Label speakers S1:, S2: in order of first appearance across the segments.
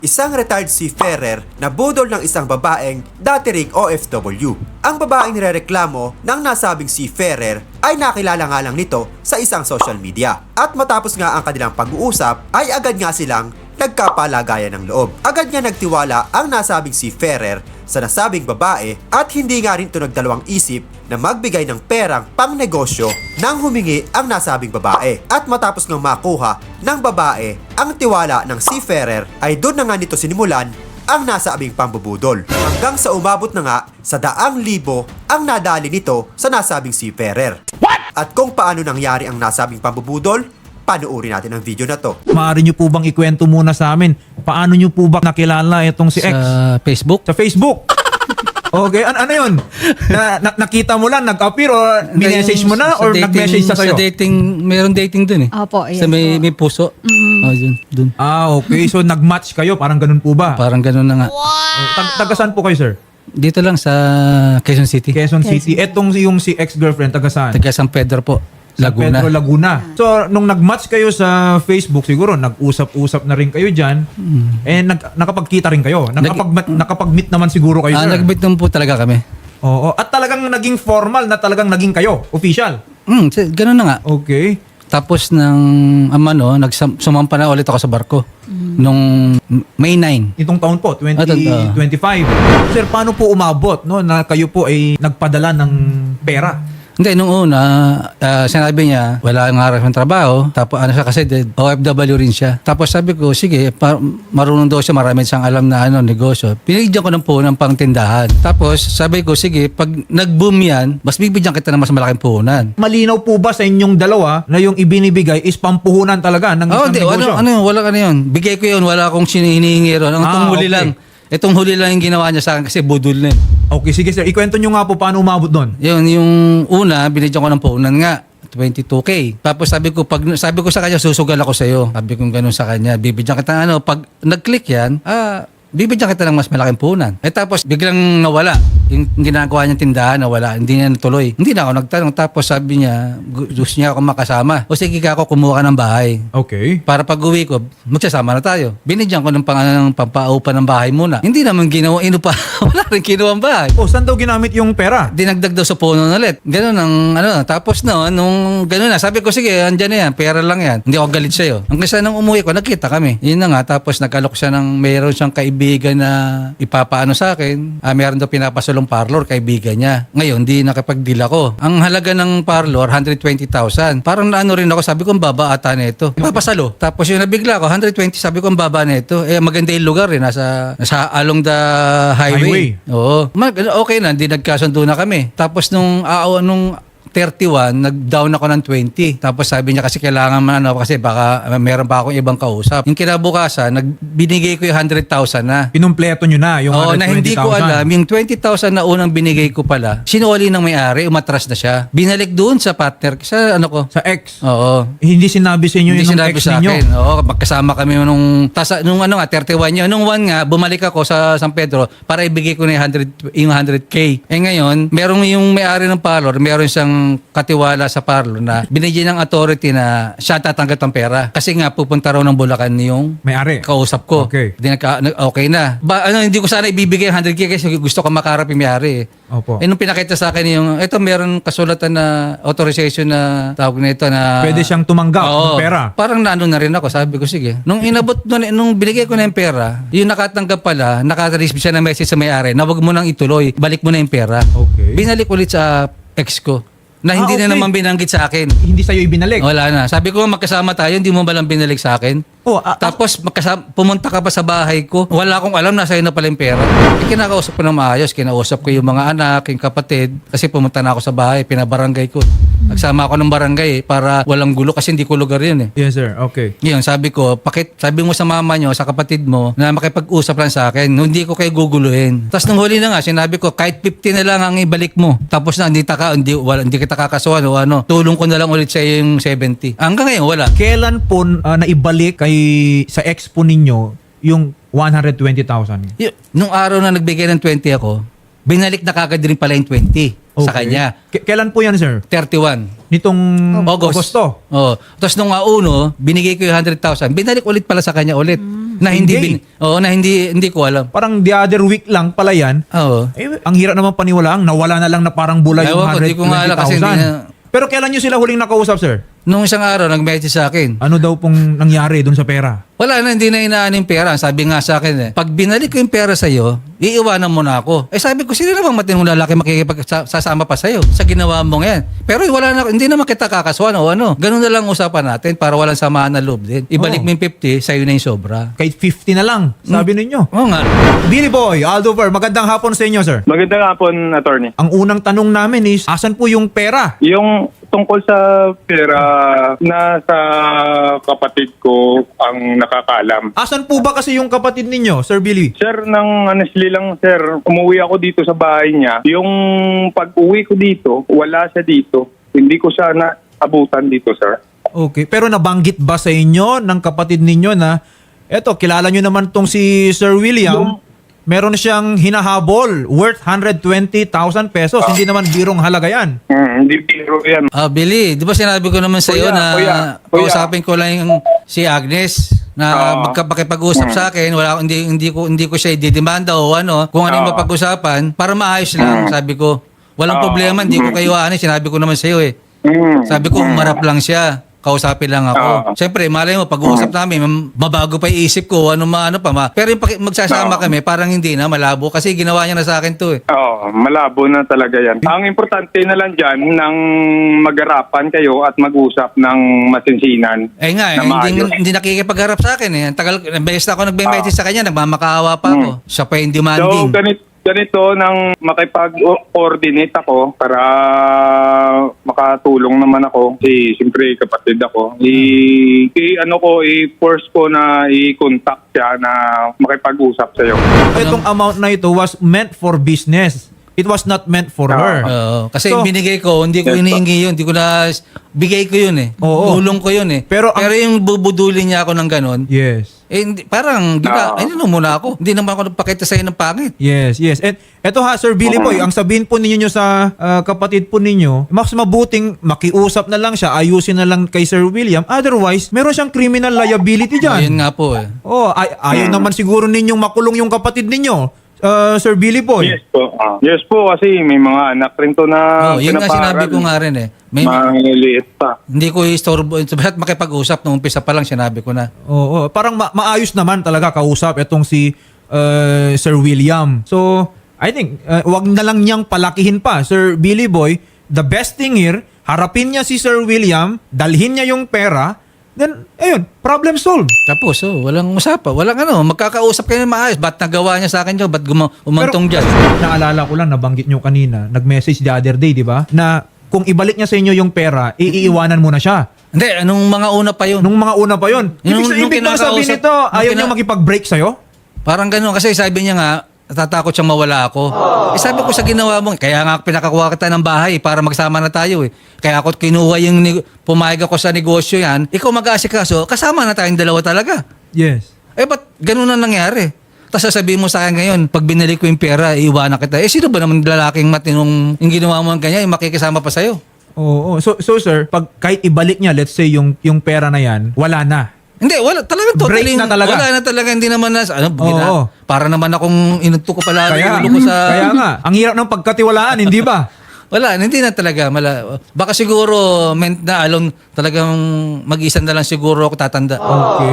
S1: Isang retired seafarer na budol ng isang babaeng dati ring OFW. Ang babaeng nirereklamo ng nasabing seafarer ay nakilala nga lang nito sa isang social media. At matapos nga ang kanilang pag-uusap ay agad nga silang nagkapalagayan ng loob. Agad nga nagtiwala ang nasabing seafarer sa nasabing babae at hindi nga rin ito nagdalawang isip na magbigay ng perang pang negosyo nang humingi ang nasabing babae. At matapos nga makuha ng babae ang tiwala ng seafarer ay doon na nga nito sinimulan ang nasabing pambubudol. Hanggang sa umabot na nga sa 100,000 ang nadali nito sa nasabing seafarer. At kung paano nangyari ang nasabing pambubudol, panuuri natin ang video na to.
S2: Maaari nyo po bang ikwento muna sa amin? Paano nyo po ba nakilala itong si X?
S3: Sa Facebook?
S2: Sa Facebook? Okay, ano yun? Nakita mo lang, nag-appear or minessage mo na or nag-message sa sa'yo?
S3: Sa dating, mayroon dating dun eh.
S4: Opo, yes
S3: Sa may puso. Oh, dun.
S2: Okay. So nag-match kayo, parang ganun po ba?
S3: Parang ganun na nga.
S2: Taga saan po kayo, sir?
S3: Dito lang sa Quezon City.
S2: Quezon City. Etong yung si ex-girlfriend, taga saan?
S3: Taga San Pedro po.
S2: San
S3: Laguna.
S2: Pedro, Laguna. So, nung nag-match kayo sa Facebook, siguro nag-usap-usap na rin kayo dyan. Nakapagkita rin kayo. Nakapag-meet naman siguro kayo, sir.
S3: Nag-meet naman po talaga kami.
S2: Oo. At talagang naging formal na talagang naging kayo. Official.
S3: Ganun na nga.
S2: Okay.
S3: Tapos sumampa na ulit ako sa barko. Nung May 9.
S2: Itong taon po, 2025. Sir, paano po umabot no, na kayo po ay nagpadala ng pera?
S3: Hindi, nung una, sinabi niya, wala nga harap ng trabaho. Tapos ano siya kasi, OFW rin siya. Tapos sabi ko, sige, marunong daw siya, marami siyang alam na negosyo. Pinigyan ko ng puhunan pang tindahan. Tapos sabi ko, sige, pag nag-boom yan, mas bibigyan kita ng mas malaking puhunan.
S2: Malinaw po ba sa inyong dalawa na yung ibinibigay is pampuhunan talaga ng isang negosyo?
S3: Wala yun. Bigay ko yun, wala akong hinihingi ron. Ang huli
S2: okay.
S3: lang. Itong huli lang yung ginawa niya sa akin kasi budol na yun.
S2: Okay, sige sir. Ikwento nyo nga po paano umabot doon.
S3: Yun, yung una, binigyan ko ng puhunan nga. 22K. Tapos sabi ko sa kanya, susugal ako sa iyo. Sabi ko gano'n sa kanya, bibigyan kita pag nag-click yan, bibigyan kita ng mas malaking puhunan. Tapos biglang nawala. Yung ginagawa niyang tindahan, nawala. Hindi niya natuloy. Hindi na ako nagtanong. Tapos sabi niya, gusto niya ako makasama. O sige ka ako, kumuha ka ng bahay.
S2: Okay.
S3: Para pag uwi ko, magsasama na tayo. Binigyan ko ng pampaupa ng bahay muna. Hindi naman ginawa, wala rin ginawa ang bahay.
S2: Saan daw ginamit yung pera?
S3: Dinagdag daw sa puno ulit. Ganun ang tapos nung ganun na, sabi ko sige, andyan na yan, pera lang yan. Hindi ako galit sa'yo. Ang kasi nang umuwi ko, nagkita kami. Yun na nga, tapos nag-alok siya meron siyang kaibigan na ipapaano sa akin. Meron daw pinapasulong parlor, kaibigan niya. Ngayon, di nakapag-deal ako. Ang halaga ng parlor, 120,000. Parang naano rin ako, sabi ko, ang baba ata na ito. Papasalo. Tapos yung nabigla ko, 120, sabi ko, ang baba na ito. Maganda yung lugar nasa along the highway. Oo. Okay na, hindi nagkasundo na kami. Tapos nung 31, nag-down ako ng 20. Tapos sabi niya kasi kailangan kasi baka meron pa akong ibang kausap. Yung kinabukasan, binigay ko yung 100,000 na.
S2: Pinumpleto nyo na yung 120,000.
S3: Na hindi ko alam, yung 20,000 na unang binigay ko pala, sinuli ng may-ari, umatras na siya. Binalik doon sa partner, sa
S2: Sa ex?
S3: Oo.
S2: Hindi sinabi sa inyo
S3: Hindi
S2: yung
S3: sinabi
S2: ex
S3: sa
S2: ninyo?
S3: akin. Oo, magkasama kami nung 31 yun. Nung 1 nga, bumalik ako sa San Pedro para ibigay ko na yung 100K. Ngayon, merong yung may-ari ng parlor, meron siyang katiwala sa parlor na binigyan ng authority na siya tatanggap ng pera. Kasi nga, pupunta raw ng Bulacan yung
S2: May-ari?
S3: kausap ko.
S2: Okay.
S3: Okay na. Hindi ko sana ibibigay yung 100K kasi gusto ko makarap yung may-ari.
S2: Opo.
S3: Nung pinakita sa akin meron kasulatan na authorization na tawag na ito na
S2: Pwede siyang tumanggap ng pera?
S3: Parang naano na rin ako. Sabi ko, sige. Nung nung binigay ko na yung pera, yung nakatanggap pala, nakareceive siya ng message sa may-ari na wag mo nang ituloy, balik mo na yung pera.
S2: Okay.
S3: Binalik ulit sa ex ko. Na hindi
S2: okay.
S3: na naman binanggit sa akin.
S2: Hindi sa'yo ibinalik?
S3: Wala na. Sabi ko, magkasama tayo, hindi mo ba lang binalik sa akin? Tapos pumunta ka pa sa bahay ko. Wala akong alam, nasa iyo na pala yung pera. Kinakausap ko ng maayos. Kinausap ko yung mga anak, yung kapatid. Kasi pumunta na ako sa bahay, pinabarangay ko. Nagsama ako ng barangay para walang gulo kasi hindi ko lugar yun eh.
S2: Yes sir, okay.
S3: Ngayon, sabi ko, sabi mo sa mama nyo, sa kapatid mo, na makipag-usap lang sa akin, hindi ko kayo guguluhin. Tapos nung huli na nga, sinabi ko, kahit 50 na lang ang ibalik mo. Tapos na, hindi kita kakasuhan o tulong ko na lang ulit sa yung 70. Hanggang ngayon, wala.
S2: Kailan po naibalik sa ex po ninyo yung 120,000?
S3: Nung araw na nagbigay ng 20 ako, binalik na kagad rin pala yung 20 sa kanya.
S2: Kailan po yan, sir?
S3: 31.
S2: Nitong
S3: Agosto.
S2: Agosto?
S3: Tapos nung binigay ko yung 100,000, binalik ulit pala sa kanya ulit. Na hindi
S2: Hindi.
S3: na hindi ko alam.
S2: Parang the other week lang pala yan.
S3: Oo.
S2: Ang hirap naman paniwalaan, nawala na lang na parang bulay yung
S3: Ewan ko, di ko nga alam kasi hindi
S2: 120,000. Pero kailan nyo sila huling nakausap, sir?
S3: Nung isang araw, nag-message sa akin.
S2: Ano daw pong nangyari dun sa pera?
S3: Wala na, hindi na inaan yung pera. Sabi nga sa akin pag binalik ko yung pera sa'yo, iiwanan mo na ako. Sabi ko, sino namang matinong lalaki makikipagsasama pa sa'yo sa ginawa mo yan? Pero wala na, hindi naman kita kakaswan o ano. Ganun na lang usapan natin para walang samaan na loob din. Ibalik mo yung 50, sa'yo na yung sobra.
S2: Kahit 50 na lang, sabi ninyo.
S3: Oo nga.
S2: Billy Boy, Aldover, magandang hapon sa inyo, sir.
S4: Magandang hapon, attorney.
S2: Ang unang tanong namin is, asan po yung pera?
S4: Yung tungkol sa pera na sa kapatid ko ang nakakaalam.
S2: Asan po ba kasi yung kapatid ninyo, Sir Billy?
S4: Sir, nang honestly lang, sir, umuwi ako dito sa bahay niya. Yung pag-uwi ko dito, wala siya dito. Hindi ko siya naabutan dito, sir.
S2: Okay, pero nabanggit ba sa inyo ng kapatid ninyo na, eto, kilala nyo naman tong si Sir William, meron siyang hinahabol worth 120,000 pesos. Hindi naman birong halaga yan.
S4: Hindi biro yan.
S3: Billy, di ba sinabi ko naman sa iyo
S4: Kuya,
S3: na
S4: kuya.
S3: kausapin ko lang yung si Agnes na
S4: Oo.
S3: magkapag-usap sa akin, hindi ko siya ididemanda o ano, kung ano yung
S4: Oo.
S3: mapag-usapan para maayos lang, sabi ko. Walang
S4: Oo.
S3: problema, hindi ko kayo aanin, sinabi ko naman sa iyo Sabi ko, umarap lang siya. Kausapin lang ako.
S4: Oo.
S3: Siyempre, malay mo, pag-uusap namin, mabago pa yung isip ko, ano pa. Pero yung magsasama
S4: Oo.
S3: kami, parang hindi na, malabo. Kasi ginawa niya na sa akin to
S4: Oo, malabo na talaga yan. Ang importante na lang dyan, nang mag-arapan kayo at mag-usap ng masinsinan.
S3: Nga,
S4: na maayos.
S3: hindi nakikipagharap sa akin Ang tagal, best ako nagbe-message sa kanya, nagmamakaawa pa ako. Siya pa yung
S4: So,
S3: demanding.
S4: ganito nang makipag-coordinate ako para makatulong naman ako. Siyempre, kapatid ako. I-force ko na i-contact siya na makipag-usap sa'yo.
S2: Itong amount na ito was meant for business. It was not meant for her.
S3: Oo. Kasi
S2: So,
S3: binigay ko, hindi ko
S4: Yes,
S3: hinihingi yun. Hindi ko na, bigay ko yun
S2: Oo.
S3: Tulong ko yun
S2: Pero
S3: Pero yung bubudulin niya ako ng ganon,
S2: Yes.
S3: parang,
S4: Oo.
S3: ano muna ako. Hindi naman ako nagpakita sa'yo ng pangit.
S2: Yes, yes. And eto ha, Sir Billy Boy, ang sabihin po ninyo sa kapatid po ninyo, mas mabuting makiusap na lang siya, ayusin na lang kay Sir William. Otherwise, meron siyang criminal liability
S3: Ayun
S2: dyan.
S3: nga po
S2: Oh, ayaw naman siguro ninyong makulong yung kapatid ninyo, Sir Billy Boy.
S4: Yes po. Yes po, kasi may mga anak rin to na
S3: Yun nga sinabi ko nga rin
S4: Maliliit pa.
S3: Hindi ko istorbo. Ba't makipag-usap nung umpisa pa lang sinabi ko na.
S2: Oo, parang maayos naman talaga kausap itong si Sir William. So, I think, wag na lang niyang palakihin pa, Sir Billy Boy. The best thing here, harapin niya si Sir William, dalhin niya yung pera, then, ayun, problem solved.
S3: Tapos, walang usapan. Walang magkakausap kayo ng maayos. Ba't nagawa niya sa akin yun? Ba't umantong dyan?
S2: Naalala ko lang, nabanggit niyo kanina, nag-message the other day, di ba? Na kung ibalik niya sa inyo yung pera, iiwanan mo na siya.
S3: Hindi, anong mga una pa yun?
S2: Nung mga una pa yun. Ibig bang sabihin
S3: kinakausap-
S2: nito, ayaw niya makipag-break sa'yo?
S3: Parang gano'n. Kasi sabi niya nga, natatakot siyang mawala ako. Sabi ko sa ginawa mo, kaya nga pinakakuha kita ng bahay para magsama na tayo Kaya ako kinuha yung, pumayag ako sa negosyo yan, ikaw mag-aasikaso, kasama na tayong dalawa talaga.
S2: Yes.
S3: Ba't gano'n na nangyari? Tapos sasabihin mo sa akin ngayon, pag binalik ko yung pera, iiwanan kita. Sino ba naman lalaking matinong yung ginawa mo ng ganyan, yung makikisama pa sa'yo?
S2: Oo. So sir, pag kahit ibalik niya, let's say yung pera na yan, wala na.
S3: Hindi, wala. Talagang
S2: Break
S3: totally.
S2: na talaga.
S3: Wala na talaga. Hindi naman na,
S2: Oo.
S3: para naman akong inunto ko pala.
S2: Kaya nga, ang hirap ng pagkatiwalaan, hindi ba?
S3: Wala, hindi na talaga. Baka siguro, meant na alone, talagang mag-isa na lang siguro ako tatanda.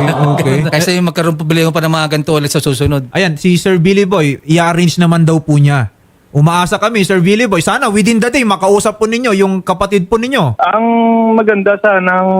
S2: Okay.
S3: Kasi magkaroon problema pa ng mga ganito ulit sa susunod.
S2: Ayan, si Sir Billy Boy, i-arrange naman daw po niya. Umaasa kami, Sir Billy Boy, sana within the day, makausap po ninyo yung kapatid po ninyo.
S4: Ang maganda sanang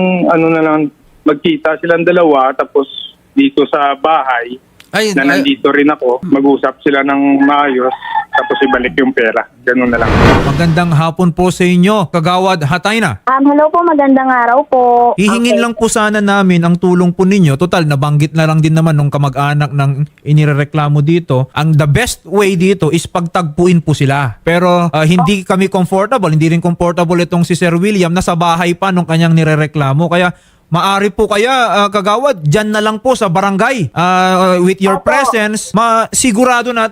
S4: na lang, magkita silang dalawa tapos dito sa bahay na nandito rin ako, mag-usap sila ng maayos tapos ibalik yung pera. Ganun na lang.
S2: Magandang hapon po sa inyo, Kagawad Hatayna.
S5: Hello po, magandang araw po.
S2: Hihingin lang po sana namin ang tulong po ninyo. Total, nabanggit na lang din naman nung kamag-anak ng inirereklamo dito. Ang the best way dito is pagtagpuin po sila. Pero hindi kami comfortable, hindi rin comfortable itong si Sir William na sa bahay pa nung kanyang nirereklamo. Kaya maari po kaya, Kagawad, dyan na lang po sa barangay. With your presence, masigurado natin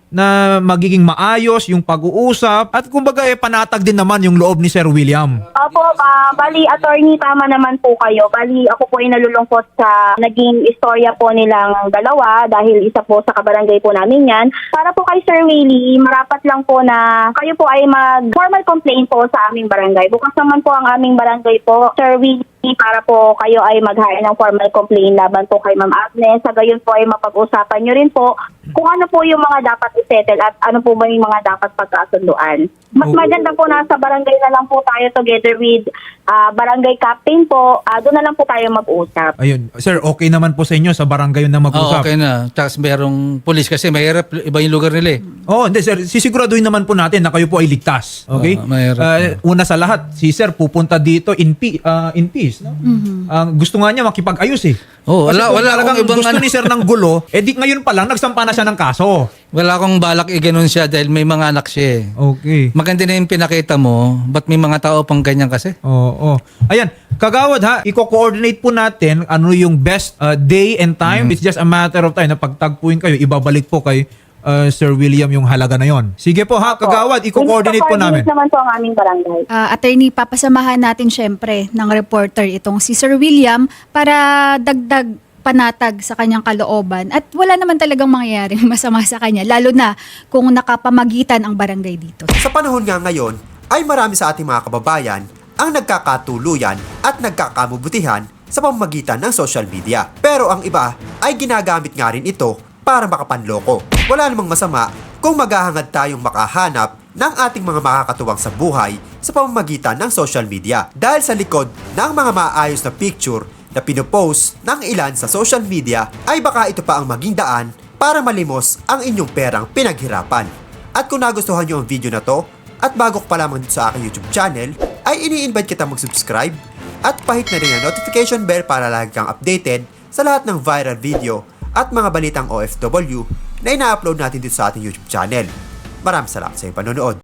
S2: na magiging maayos yung pag-uusap at kumbaga panatag din naman yung loob ni Sir William.
S5: Opo, bali, attorney, tama naman po kayo. Bali, ako po ay nalulungkot sa naging istorya po nilang dalawa dahil isa po sa kabarangay po namin yan. Para po kay Sir Willie, marapat lang po na kayo po ay mag-formal complaint po sa aming barangay. Bukas naman po ang aming barangay po, Sir Willie, para po kayo ay mag-hire ng formal complaint laban po kay Ma'am Agnes. Sa gayon po ay mapag-usapan nyo rin po kung ano po yung mga dapat i-settle at ano po ba yung mga dapat pagkasunduan. Mas maganda po nasa barangay na lang po tayo together with barangay captain po. Doon na lang po tayo mag-usap.
S2: Ayun. Sir, okay naman po sa inyo sa barangay na
S3: Oo,
S2: mag-usap?
S3: okay na. Tapos merong police kasi mahirap, iba yung lugar nila eh.
S2: Oo, hindi sir. Sisiguraduhin naman po natin na kayo po ay ligtas. Okay?
S3: mahirap.
S2: Una sa lahat, si sir pupunta dito in peace. No? Gusto nga niya makipag-ayos eh.
S3: Oo,
S2: Kasi
S3: wala-
S2: kung
S3: wala
S2: talagang
S3: akong ibang
S2: gusto
S3: ano.
S2: ni sir ng gulo, di ngayon pa lang nagsampa na siya ng kaso.
S3: Wala akong balak i-ganon siya dahil may mga anak siya eh.
S2: Okay.
S3: Maganda na yung pinakita mo, ba't may mga tao pang ganyan kasi?
S2: Oo. Ayan, kagawad ha, i-coordinate po natin ano yung best day and time. It's just a matter of time na pagtagpuin kayo, ibabalik po kay Sir William yung halaga na yon. Sige po ha, kagawad, i-coordinate po namin.
S5: naman po ang aming barangay.
S6: Attorney, papasamahan natin syempre ng reporter itong si Sir William para dagdag panatag sa kanyang kalooban at wala naman talagang mangyayaring masama sa kanya, lalo na kung nakapamagitan ang barangay dito.
S1: Sa panahon nga ngayon, ay marami sa ating mga kababayan ang nagkakatuluyan at nagkakamubutihan sa pamamagitan ng social media. Pero ang iba ay ginagamit nga rin ito para makapanloko. Wala namang masama kung maghahangad tayong makahanap ng ating mga makakatuwang sa buhay sa pamamagitan ng social media. Dahil sa likod ng mga maayos na picture na pinopost ng ilan sa social media ay baka ito pa ang maging daan para malimos ang inyong perang pinaghirapan. At kung nagustuhan nyo ang video na to at bago ka pa lamang dito sa aking YouTube channel, ay ini-invite kita mag-subscribe at pahit na rin ang notification bell para lagi kang updated sa lahat ng viral video at mga balitang OFW na ina-upload natin dito sa ating YouTube channel. Maraming salamat sa iyong panonood.